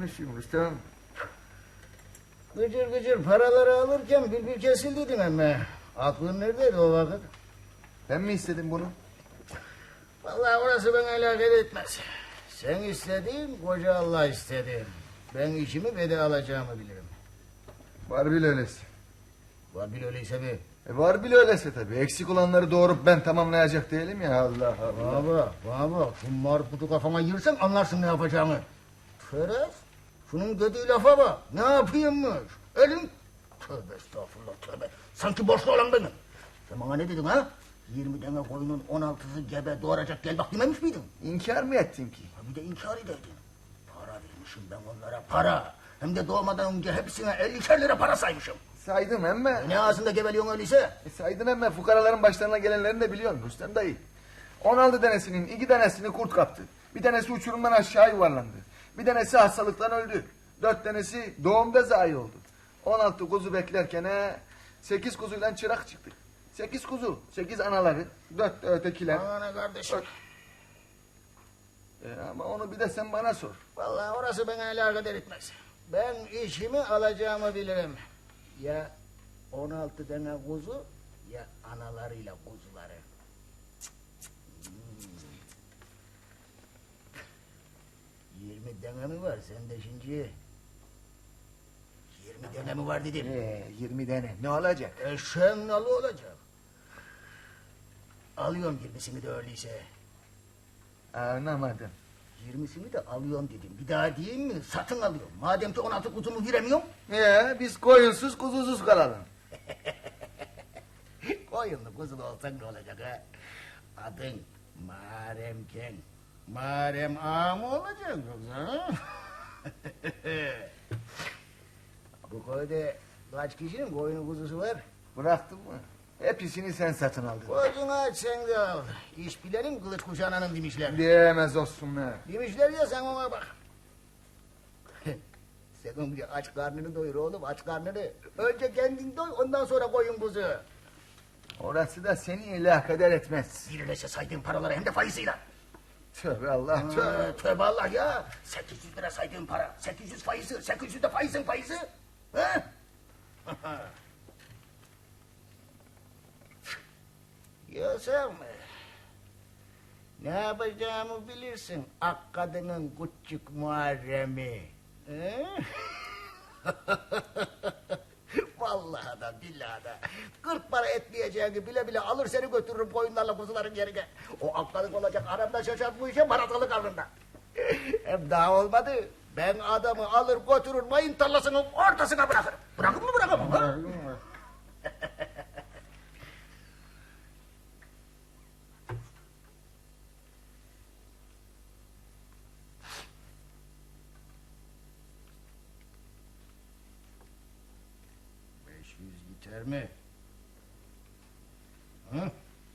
konuşuyorsun Rüstem? Gıcır gıcır paraları alırken bülbül kesildiydin emme. Aklın neredeydi o vakit? Ben mi istedim bunu? Vallahi orası bana alakadar etmez. Sen istedin, koca Allah istedi. Ben işimi ve de alacağımı bilirim. Var bile öylesi. Var bil öyleyse bir. Var bile öylesi tabii. Eksik olanları doğurup ben tamamlayacak değilim ya, Allah Allah. Baba, şu marputu kafama yırsan anlarsın ne yapacağımı. Ferhat, şunun dediği lafa bak. Ne yapayımmış? Elim... Tövbe estağfurullah, tövbe. Sanki borçlu olan benim. Sen bana ne dedin ha? 20 tane koyunun 16'sı gebe doğuracak, gel bak dememiş miydin? İnkar mı ettin ki? Bir de inkar ederdin. Para vermişim ben onlara, para. Hem de doğmadan önce hepsine 50'şer lira para saymışım. Saydım emme. Ne ağzında geveliyorsun öyleyse? Saydın emme, fukaraların başlarına gelenlerini de biliyorsun Rüstem dayı. 16 tanesinin 2 tanesini kurt kaptı. Bir tanesi uçurumdan aşağı yuvarlandı. Bir tanesi hastalıktan öldü. 4 tanesi doğumda zayi oldu. 16 kuzu beklerken 8 kuzuyla çırak çıktık. 8 kuzu, 8 anaları, 4 de ötekiler. Bana ne kardeşim? Ama onu bir de sen bana sor. Vallahi orası bana alakadar etmez. Ben işimi alacağımı bilirim. Ya 16 tane kuzu ya analarıyla kuzuları. 20 tane mi var sende şimdi? 20 tane mi var dedim. 20 tane ne olacak? Eşeğin nalı olacak. Alıyorum 20'sini de öyleyse. Anlamadım. 20'sini de alıyorum dedim. Bir daha diyeyim mi? Satın alıyorum. Madem ki 16 kuzumu veremiyorum. Biz koyunsuz kuzusuz kalalım. Koyunlu kuzulu olsan ne olacak ha? Adın Muharremken. Muharrem ağa mı olacak yoksa? Bu köyde kaç kişinin koyunu kuzusu var? Bıraktın mı? Hepsini sen satın aldın. Gözünü aç sen de al. İş bilenin kılıç kuşananın demişler. Diyemez olsunlar. Demişler ya sen ona bak. Sen önce aç karnını doyur oğlum, aç karnını. Önce kendin doy, ondan sonra koyun kuzu. Orası da seni ilahkeder etmez. Birleşe saydığın paraları hem de faiziyle. Tövbe Allah, tövbe. Tövbe Allah ya. 800 lira saydığın para, 800 faizi, 800 de faizin faizi. Ha? Ya sen ne yapacağımı bilirsin. Ak kadının küçük Muharrem'i. Vallahi da billahi da 40 para etmeyeceğini bile bile alır seni götürürüm koyunlarla kuzuların yerine. O ak kadın olacak aramda şaşart bu işe baratalı karnında. Hem daha olmadı. Ben adamı alır götürür mayın tarlasının ortasına bırakırım. Bırakır mı bırakamam ha? 500 yeter mi? Hı?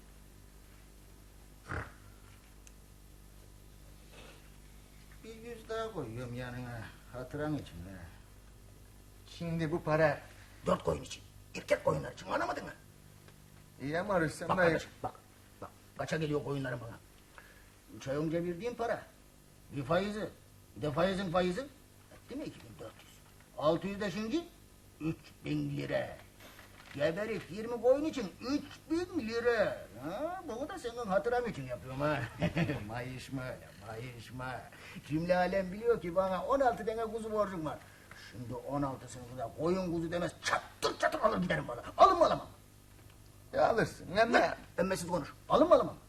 Bir 100 daha koyuyorum yanına. Hatıran için ha. Şimdi bu para... 4 koyun için. Erkek koyunlar için anlamadın mı? İyi ama Rüstem Bak dayı... kardeşim bak. Kaça geliyor koyunların bana? 3 ay önce verdiğim para. Bir faizi. Bir de faizin faizi. Etti mi 2400? 600 de şimdi 3000 lira. Geberip 20 koyun için 3000 lira. Ha, bunu da senin hatıram için yapıyorum ha. Mayışma, mayışma. Cümle alem biliyor ki bana 16 tane kuzu borcum var. Şimdi 16'sını da koyun kuzu demez çattır çattır alır giderim bana. Alın mı alamam? Ya alırsın, hem de... Emmesiz konuş. Alın mı alamam?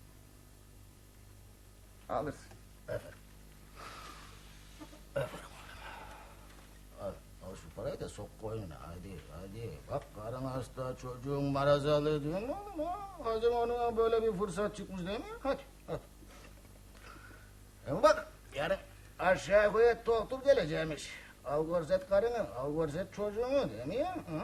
Alırsın. Efendim. Efendim. Al şu parayı da sok koyuna. Hadi. Bak karın hasta, çocuğun marazalı diyor mu oğlum ha? Hazım ona böyle bir fırsat çıkmış değil mi? Hadi. Ama bak yarın aşağı koyup doktor geleceğimiş. Al görset karını, al görset çocuğunu değil mi ya? Hı?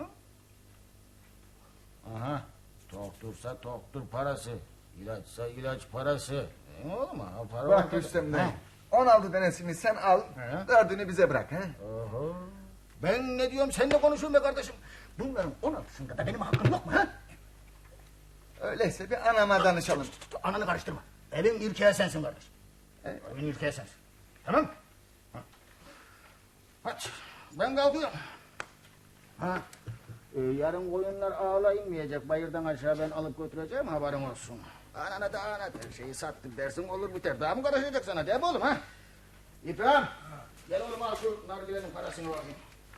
Aha. Doktorsa doktor parası. İlaçsa ilaç parası. Değil mi oğlum ha? Para Bak ortada. Rüstem dayı. 16 tanesini sen al, He. 4'ünü bize bırak. He? Oho. Ben ne diyorum sen de konuşuyorsun be kardeşim. Bunların 16'sında da benim hakkım yok mu ha? Öyleyse bir anama danışalım. Ananı karıştırma. Evin ilkeği sensin kardeş. Evet. Evin ilkeği sensin. Tamam mı? Hadi ben kalkıyorum. Ha, yarın koyunlar ağla inmeyecek. Bayırdan aşağı ben alıp götüreceğim, haberin olsun. Anana da anlat, her şeyi sattık dersin olur biter. Daha mı karışacak sana, değil mi oğlum ha? İbrahim, gel oğlum al şu nargilenin parasını bakayım.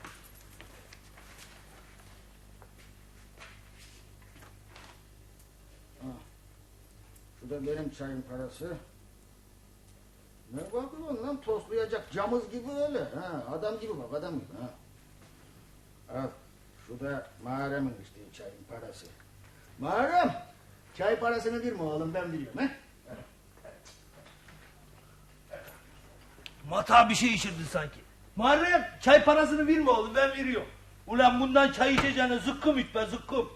Ha, şu da benim çayın parası. Ne bakıyorsun lan, toslayacak camız gibi öyle. Ha, adam gibi bak, adam gibi. Ha. Al, şu da Muharrem'in içtiği çayın parası. Muharrem, çay parasını verme oğlum, ben biliyorum. He? Mata bir şey içirdin sanki. Muharrem çay parasını verme oğlum, ben veriyorum. Ulan bundan çay içeceğine zıkkım iç be zıkkım.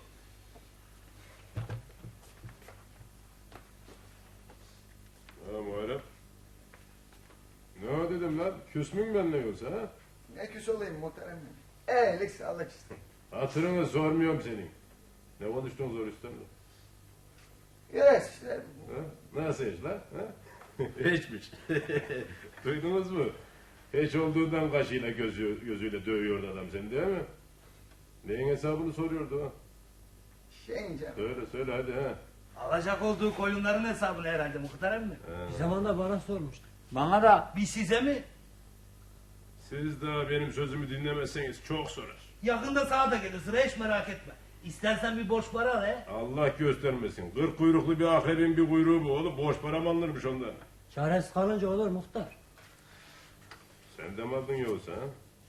Ha Muharrem. Ne o dedim lan? Küs müyüm benimle yoksa ha? Ne küs olayım muhterem. Iyilik sağlık işte. Hatırını sormuyorum senin. Ne konuştun zor üstemle? Yes işte. Ha? Nasıl hiç lan? Ha? Hiçmiş. Duydunuz mu? Hiç olduğundan kaşıyla gözüyle dövüyordu adam seni değil mi? Neyin hesabını soruyordu ha? Şeyince. Söyle hadi ha. Alacak olduğu koyunların hesabını herhalde muhterem mi? Bir zaman da bana sormuştu. Bana da. Bir size mi? Siz daha benim sözümü dinlemezseniz çok sorar. Yakında sana da gelir sıra, hiç merak etme. İstersen bir borç para al he. Allah göstermesin. 40 kuyruklu bir akrebin bir kuyruğu bu oğlum. Boş para mı alınırmış ondan? Çaresiz kalınca olur muhtar. Sen de mi aldın yoksa ha?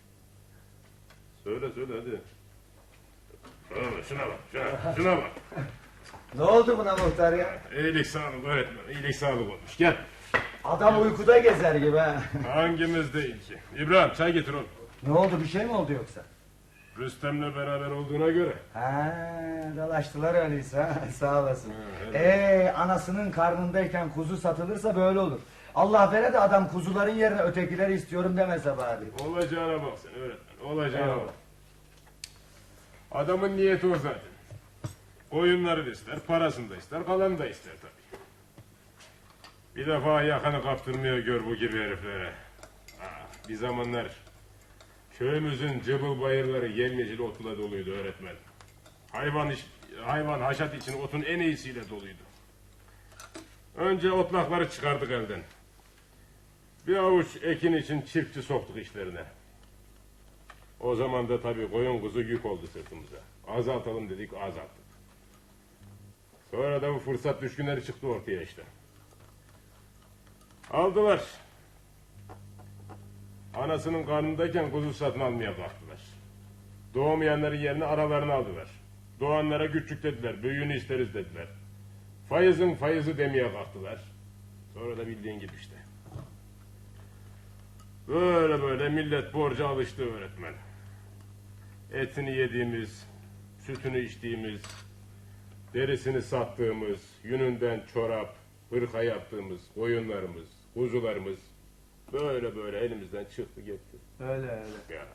Söyle hadi. Şuna bak, şuna bak. Ne oldu buna muhtar ya? İyilik sağlık öğretmen, iyilik sağlık olmuş. Gel. Adam uykuda gezer gibi ha. Hangimiz değil ki? İbrahim çay getir oğlum. Ne oldu, bir şey mi oldu yoksa? Rüstem'le beraber olduğuna göre. Ha, dalaştılar öyleyse ha. Sağ olasın. evet. Anasının karnındayken kuzu satılırsa böyle olur. Allah vere de adam kuzuların yerine ötekileri istiyorum demese bari. Olacağına bak sen öğretmen, olacağına bak. Adamın niyeti o zaten. Oyunları da ister, parasını da ister, kalanı da ister tabii. Bir defa yakanı kaptırmıyor gör bu gibi heriflere. Bir zamanlar köyümüzün cıbıl bayırları yemyecil otla doluydu öğretmen. Hayvan haşat için otun en iyisiyle doluydu. Önce otlakları çıkardık elden. Bir avuç ekin için çiftçi soktuk işlerine. O zaman da tabii koyun kuzu yük oldu sırtımıza. Azaltalım dedik, azalttık. Sonra da bu fırsat düşkünleri çıktı ortaya işte. Aldılar. Anasının karnındayken kuzu satın almaya kalktılar. Doğmayanların yerine aralarını aldılar. Doğanlara küçük dediler, büyüğünü isteriz dediler. Fayızın fayızı demeye kalktılar. Sonra da bildiğin gibi işte. Böyle millet borca alıştı öğretmen. Etini yediğimiz, sütünü içtiğimiz, derisini sattığımız, yününden çorap, hırka yaptığımız koyunlarımız, kuzularımız böyle elimizden çıktı gitti. Öyle. Ya.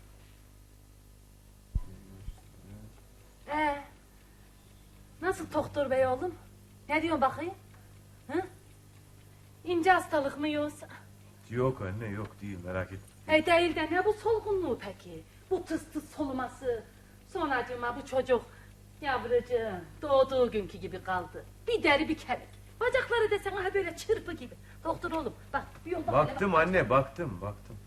Nasıl doktor bey oğlum? Ne diyorsun bakayım? Hı? İnce hastalık mı yoksa? Yok anne yok değil merak etme. Değil de ne bu solgunluğu peki? Bu tıs tıs soluması. Sonracığıma bu çocuk yavrucuğum doğduğu günkü gibi kaldı. Bir deri bir kemik. Bacakları desen ha böyle çırpı gibi. Doktor oğlum bak bir yol bak. Baktım anne baktım.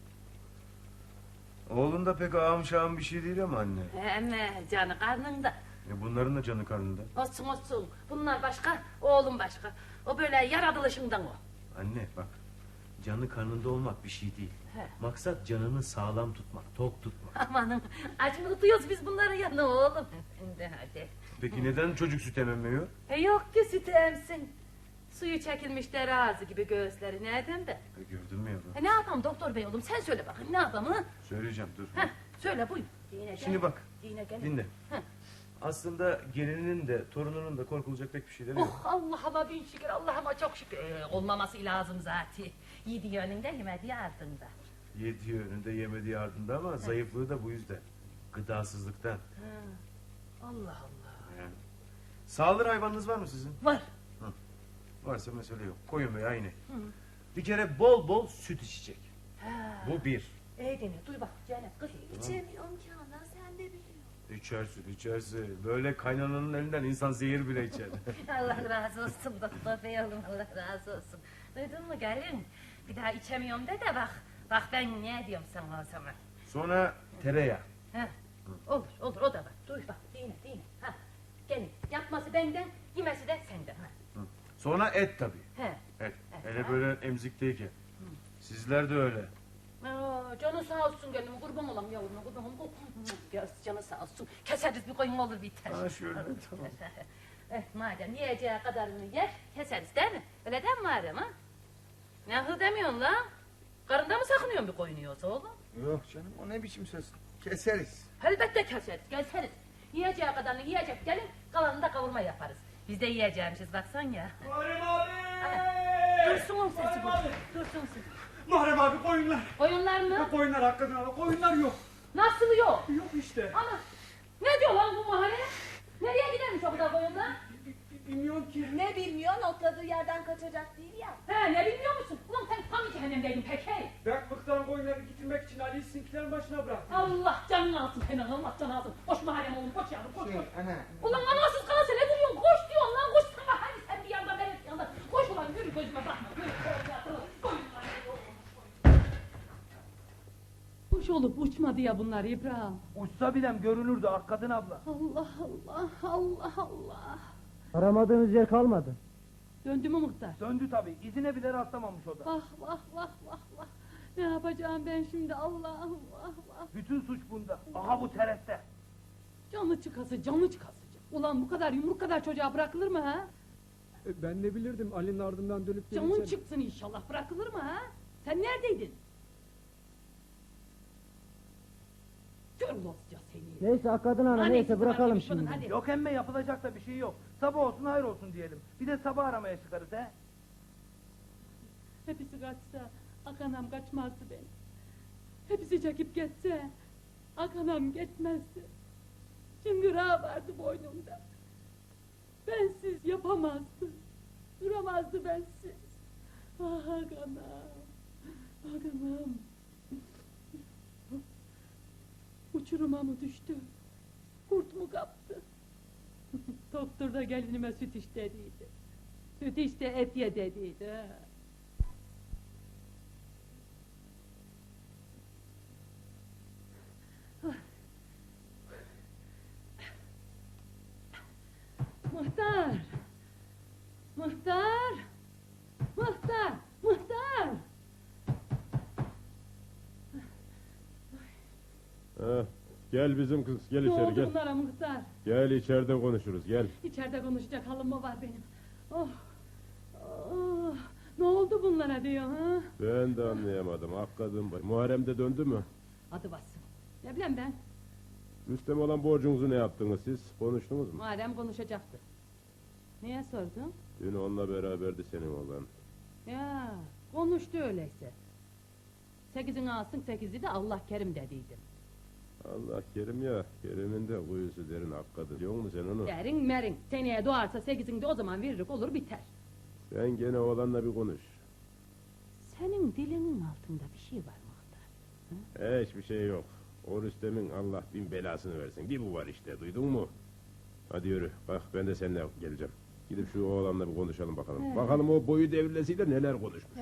Oğlun da pek ağam şağım bir şey değil ama anne. Emme canı karnında. Bunların da canı karnında. Olsun. Bunlar başka, oğlum başka. O böyle yaratılışından o. Anne bak canı karnında olmak bir şey değil. He. Maksat canını sağlam tutmak, tok tutmak. Amanım aç mı tutuyoruz biz bunları yanına oğlum? Şimdi hadi. Peki neden çocuk süt ememiyor? Yok ki sütü emsin. Suyu çekilmiş dere ağzı gibi göğüsleri nereden de? Gördün mü yavrum? Ne yapalım doktor bey oğlum sen söyle bakayım ne yapalım ha? Söyleyeceğim dur. Söyle buyur. Dine Şimdi gel. bak Dine gel. dinle. Heh. Aslında gelininin de torununun da korkulacak pek bir şeyleri yok. Oh Allah'ıma bin şükür Allah'ıma çok şükür. Olmaması lazım zaten. Yediği önünde yemediği ardında. Yediği önünde yemediği ardında ama zayıflığı da bu yüzden. Gıdasızlıktan. Allah Allah. Yani. Sağılır hayvanınız var mı sizin? Var. Varsa mesele yok. Koyun veya inek. Bir kere bol bol süt içecek. Ha. Bu bir. dinle duy bak Zeynep kız. İçemiyorum ki ana, sen de biliyorsun. İçersin. Böyle kaynananın elinden insan zehir bile içer. Allah razı olsun doktor bey oğlum, Allah razı olsun. Duydun mu gelin? Bir daha içemiyorum de bak. Bak ben ne diyorum sana o zaman. Sonra tereyağı. Ha, olur o da var. Duy bak dinle. Ha, gelin yapması benden, yemesi de senden. Ha. Sonra et tabii. He. Et. Hele böyle emzikteyken. Sizler de öyle. Canı sağ olsun gönlüm, kurban olam yavruma, kurban olam. Ya canı sağ olsun, keseriz bir koyun olur biter. Ha şöyle tamam. Madem yiyeceği kadarını yer, keseriz değil mi? Öyle değil mi madem ha? Ne hı demiyorsun la? Karında mı sakınıyorsun bir koyunu yoksa oğlum? Yok canım, o ne biçim söz? Keseriz. Elbette keseriz. Yiyeceği kadarını yiyecek gelin, kalanını da kavurma yaparız. Biz de yiyeceğimiz baksan ya. Muharrem abi! Dursun o sesi bu, dursun sesi. Muharrem abi koyunlar. Koyunlar mı? Koyunlar hakikaten abi, koyunlar yok. Nasıl yok? Yok işte. Ama ne diyor lan bu mahalle? Nereye gidermiş o kadar koyunlar? Bilmiyorum ki. Ne bilmiyorsun, otladığı yerden kaçacak değil ya. He ne bilmiyor musun? Ulan sen tam cehennemdeydin pek hey. Ben bıktan koyunları getirmek için Ali'yi sizinkilerin başına bıraktım. Allah canını alsın senin, Allah canını alsın. Koş mahallem oğlum, koş yavrum, koş. Ana. Ulan anasız kalası ne duruyorsun? Koş diyorsun lan, koş sana. Hadi sen bir yanda, ben bir yanda. Koş ulan, yürü gözüme bakma. Yürü, koş. Kuş olup uçmadı ya bunlar İbrahim. Uçsa bilem görünürdü hakikaten abla. Allah. Aramadığınız yer kalmadı. Döndü mü muhtar? Döndü tabii, izine bile rastlamamış o da. Vah. Ne yapacağım ben şimdi Allah'ım vah. Bütün suç bunda. Aha bu terette. Canı çıkası. Ulan bu kadar yumruk kadar çocuğa bırakılır mı ha? Ben ne bilirdim Ali'nin ardından dönüp Canın çıksın inşallah, bırakılır mı ha? Sen neredeydin? Gör ulasıca seni. Neyse Akadın Ana Annesi neyse var bırakalım demiş bunun, şimdi. hadi. Yok emme, yapılacak da bir şey yok. Sabah olsun hayır olsun diyelim. Bir de sabah aramaya çıkarız he. Hepsi kaçsa Akanam kaçmazdı beni. Hepsi çekip geçse Akanam gitmezdi. Çıngırağı vardı boynumda. Bensiz yapamazdı. Duramazdı bensiz. Ah Akanam. Uçuruma mı düştü? Kurt mu kaptı? Doktor da gelinime süt iç dediydi. Süt iç de et ye dediydi. Ha. Muhtar! Gel bizim kız, gel Ne içeri oldu gel. bunlara muhtar? Gel içeride konuşuruz, gel. İçeride konuşacak halim mı var benim? Oh. Ne oldu bunlara diyor ha? Ben de anlayamadım, hakikaten bak. Muharrem de döndü mü? Adı bassın. Ne bileyim ben? Rüstem olan borcunuzu ne yaptınız siz? Konuştunuz mu? Muharrem konuşacaktı. Niye sordun? Dün onunla beraberdi senin oğlan. Ya konuştu öyleyse. 8'ini alsın 8'i de Allah kerim dediydim. Allah kerim ya, Kerim'in de kuyusu derin hakikaten. Biliyor musun sen onu? Derin merin. Seneye doğarsa 8'ini de o zaman veririk olur biter. Sen gene oğlanla bir konuş. Senin dilinin altında bir şey var muhtar. Hiçbir şey yok. O Rüstem'in Allah bin belasını versin. Bir bu var işte, duydun mu? Hadi yürü, bak ben de seninle geleceğim. Gidip şu oğlanla bir konuşalım bakalım. Bakalım o boyu devrilesiyle neler konuşmuş.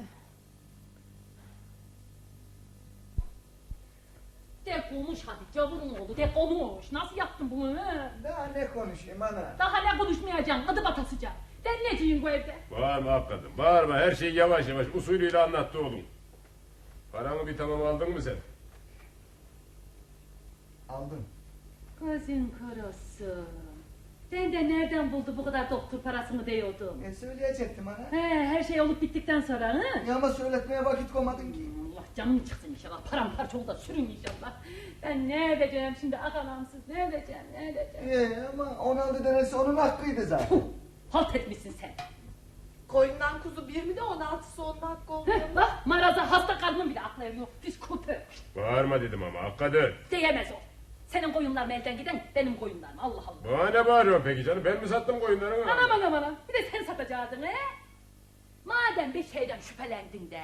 De konuş hadi cavurun oğlu de konuş. Nasıl yaptın bunu he? Daha ne konuşayım ana? Daha ne konuşmayacaksın adı batasıca. Ben neciyim bu evde? Bağırma hakikaten, bağırma. Her şeyi yavaş yavaş usulüyle anlattı oğlum. Paramı bir tamam aldın mı sen? Aldım. Gözün kurusun. Sen de nereden buldu bu kadar doktor parasını diyordum. Söyleyecektim ana. Her şey olup bittikten sonra ha? Ya ama söyletmeye vakit koymadın ki. Allah canın çıksın inşallah. Paramparça ol da sürün inşallah. Ben ne edeceğim şimdi akalamsız ne edeceğim? Ama 16 denesi onun hakkıydı zaten. Halt etmişsin sen. Koyundan kuzu bir mi de 16'sı onun hakkı oluyor. Bak maraza hasta karnın bile aklı eriyor. Pis köpek. Bağırma dedim ama hakikaten. Diyemez o. Senin koyunlarım elden giden benim koyunlarım. Allah Allah. Bana ne bağırıyorsun peki canım? Ben mi sattım koyunları? Anam. Bir de sen satacaktın he? Madem bir şeyden şüphelendin de,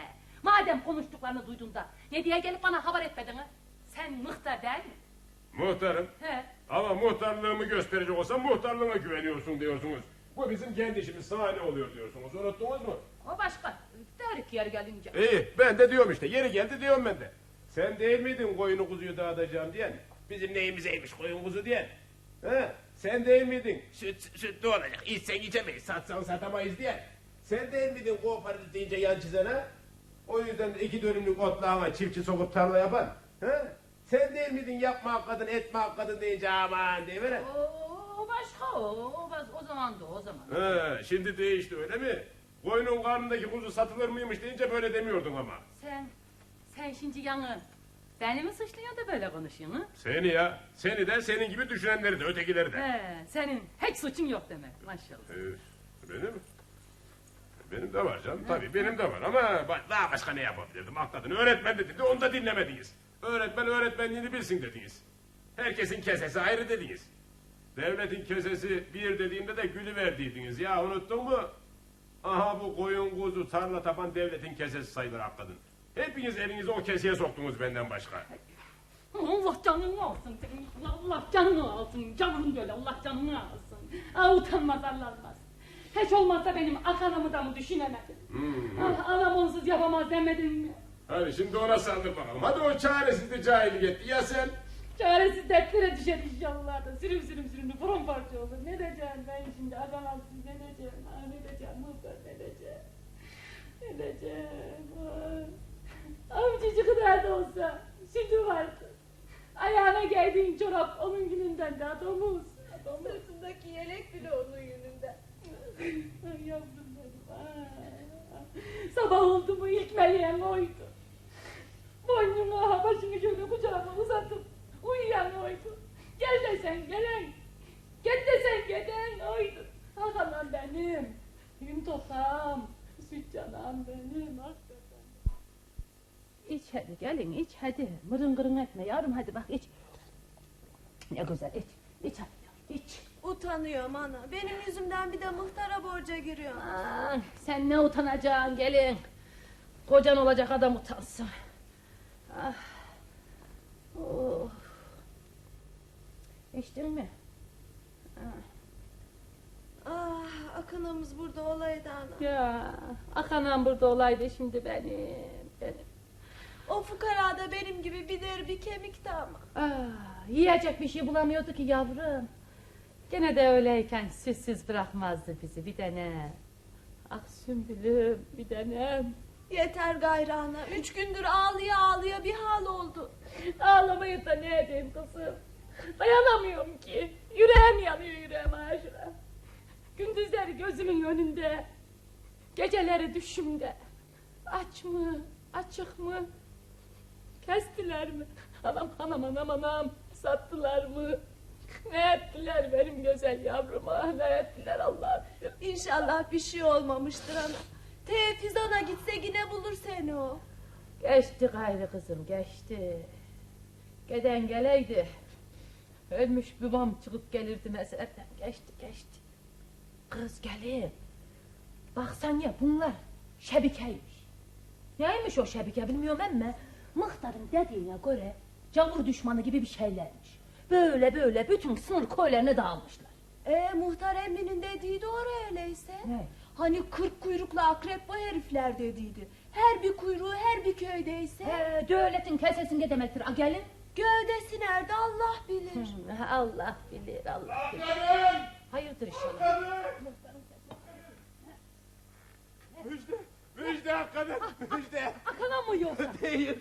Madem konuştuklarını duydun da ne diye gelip bana haber etmedin ha? Sen muhtar değil mi? Muhtarım. He. Ama muhtarlığımı gösterecek olsam muhtarlığına güveniyorsun diyorsunuz. Bu bizim kendi işimiz, sana ne oluyor diyorsunuz, unuttunuz mu? O başka. Derik yer gelince. İyi, ben de diyorum işte, yeri geldi diyorum ben de. Sen değil miydin koyunu kuzuyu dağıtacağım diyen? Bizim neyimizeymiş koyun kuzu diyen? He? Sen değil miydin? Sütlü olacak, içsen içemeyiz, satsan satamayız diyen? Sen değil miydin kooperatif deyince yan çizen ha? O yüzden de 2 dönümlük otlağına çiftçi sokup tarla yapan? He? Sen değil miydin yapma hakkadın, etme hakkadın deyince aman deyiveren? O başka o zaman da o zaman. He, şimdi değişti öyle mi? Koyunun karnındaki kuzu satılır mıymış deyince böyle demiyordun ama. Sen şimdi yanı beni mi suçluyorsun da böyle konuşuyorsun ha? Seni ya, seni de senin gibi düşünenleri de ötekileri de. Senin hiç suçun yok demek maşallah. Benim? Benim de var canım, tabii benim de var ama daha başka ne yapabilirdim? Hakladın, öğretmen dedi, onu da dinlemediniz. Öğretmen öğretmenliğini bilsin dediniz. Herkesin kesesi ayrı dediniz. Devletin kesesi bir dediğinde de gülüverdiydiniz. Ya unuttun mu? Aha bu koyun kuzu tarla tapan devletin kesesi sayılır hakladın. Hepiniz elinizi o keseye soktunuz benden başka. Allah canını alsın senin. Allah canını alsın. Canım böyle Allah canını alsın. Utanmaz arlanmaz. Hiç olmazsa benim akanamı da mı düşünemedin? Anam onsuz yapamaz demedin mi? Hadi şimdi ona saldır bakalım. Hadi o çaresizli cahillik etti. Ya sen? Çaresiz dertlere düşer inşallah da sürüm paramparça olur. Ne diyeceğim ben şimdi adamsız ne diyeceğim? Ne diyeceğim muhtar ne diyeceğim? Ne diyeceğim? Amcacık kadar da olsa sütü vardı. Ayağına giydiğin çorap onun gününden de domuz. Sırtındaki yelek bile onun yönünden. Ay yavrum benim. Sabah oldu mu ilk meleğim oydu. Boynuma başını şöyle kucağıma uzatıp uyuyan oydu. Gel desen gelen. Gel desen gelen oydu. Hakanam benim. Gün tokam. Süt canam benim. Hakikaten. İç hadi gelin iç hadi. Mırın kırın etme yavrum hadi bak iç. Ne güzel iç. İç hadi yavrum iç. Utanıyorum ana. Benim yüzümden bir de muhtara borca giriyorum. Sen ne utanacaksın gelin. Kocan olacak adam utansın. Oh. İçtin mi? Akınımız burada olaydı ana. Ya akanam burada olaydı şimdi benim. O fukara da benim gibi bir deri bir kemikti ama. Yiyecek bir şey bulamıyordu ki yavrum. Gene de öyleyken süssüz bırakmazdı bizi bir tane. Ah Sümbülüm bir tanem. Yeter gayrı ana. 3 gündür ağlıya ağlıya bir hal oldu. Ağlamayıp da ne edeyim kızım. Dayanamıyorum ki. Yüreğim yanıyor yüreğim aşıra. Gündüzleri gözümün önünde. Geceleri düşümde. Aç mı? Açık mı? Kestiler mi? Anam. Sattılar mı? Ne ettiler benim güzel yavruma? Ne ettiler Allah bilir. İnşallah bir şey olmamıştır ana. Tevfiz ana gitse yine bulur seni o. Geçti gayrı kızım geçti. Geden geleydi. Ölmüş babam çıkıp gelirdi mezardan. Geçti. Kız gelin. Baksan ya bunlar şebikeymiş. Neymiş o şebike bilmiyorum ama muhtarın dediğine göre cavur düşmanı gibi bir şeylermiş. Böyle bütün sınır köylerine dağılmışlar. Muhtar emminin dediği doğru öyleyse. Ne? Hani 40 kuyruklu akrep bu herifler dediydi. Her bir kuyruğu her bir köydeyse. Devletin kesesinde demektir. Gelin. Gövdesi nerede Allah bilir. Allah bilir Allah bilir. Hayırdır inşallah. Müjde hakikaten müjde. Akana mı yoksa? Değil.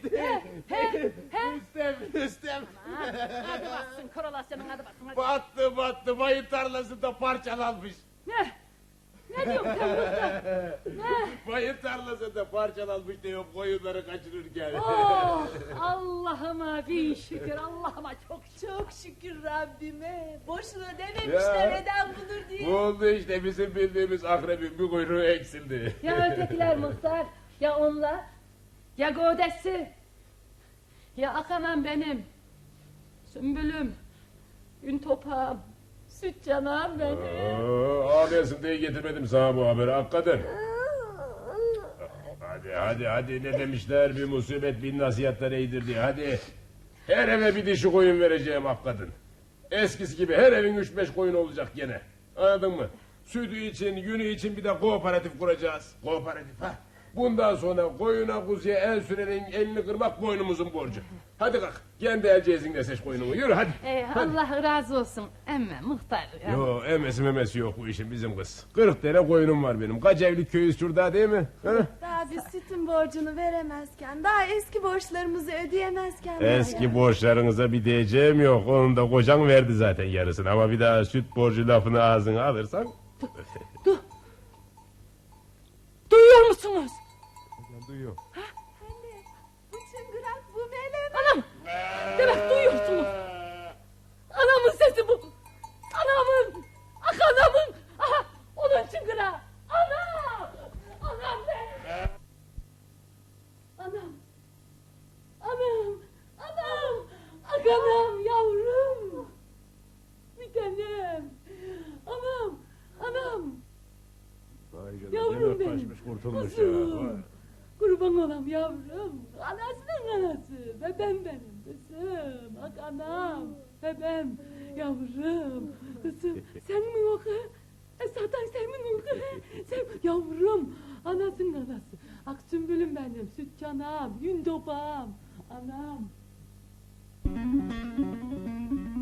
Rüstem. Hadi baksın korolasyonun hadi baksın. Hadi. Battı bayır tarlasında parçalanmış. Ne diyorsun sen burada? Bayır tarlasında parçalanmış diyor koyunları kaçırırken. Allah'ıma bin şükür Allah'ıma Çok şükür Rabbime. Boşuna dememişler Ya. neden budur diye. Bu oldu işte bizim bildiğimiz akrebin bir kuyruğu eksildi. Ya ötekiler muhtar ya onlar ya Godesi ya Akanam benim Sümbülüm Gün topağım Süt canağım benim. Ağlayasın diye getirmedim sana bu haberi hakikaten. Hadi ne demişler, bir musibet bin nasihatler iyidir diye, hadi. Her eve bir dişi koyun vereceğim ak kadın. Eskisi gibi her evin 3-5 koyun olacak gene. Anladın mı? Sütü için, yünü için bir de kooperatif kuracağız. Kooperatif ha. Bundan sonra koyuna kuzuya el sürenin elini kırmak boynumuzun borcu. Hadi kalk, kendi el cezinle seç koyununu, yürü hadi. Allah razı olsun emme muhtar. Yo, emesi memesi yok bu işin bizim kız. 40 tane koyunum var benim. Kaç evlilik köyüz şurada değil mi? Ha? Daha biz sütün borcunu veremezken, daha eski borçlarımızı ödeyemezken. Eski borçlarınıza bir diyeceğim yok. Onun da kocan verdi zaten yarısını. Ama bir daha süt borcu lafını ağzına alırsan... Duyuyor musunuz? Duyuyor. Anne, bu çıngırak, bu melem. Anam! Demek duyuyorsunuz. Anamın sesi bu. Anamın! Ah anamın! Aha! Onun çıngırağı! Anam! Anam be! Anam! Anam! Anam! Ah anam yavrum! Bir tanem! Anam! Anam! Yavrum benim! Kuzum! Kurban olam yavrum. Anasının anası. Bebem benim kızım. Bak anam. Bebem. Yavrum. Kızım. Sen mi o kız? Zaten sen mi o kız? Sen yavrum. Anasının anası. Ak sümbülüm benim. Süt canam. Yün topağım. Anam.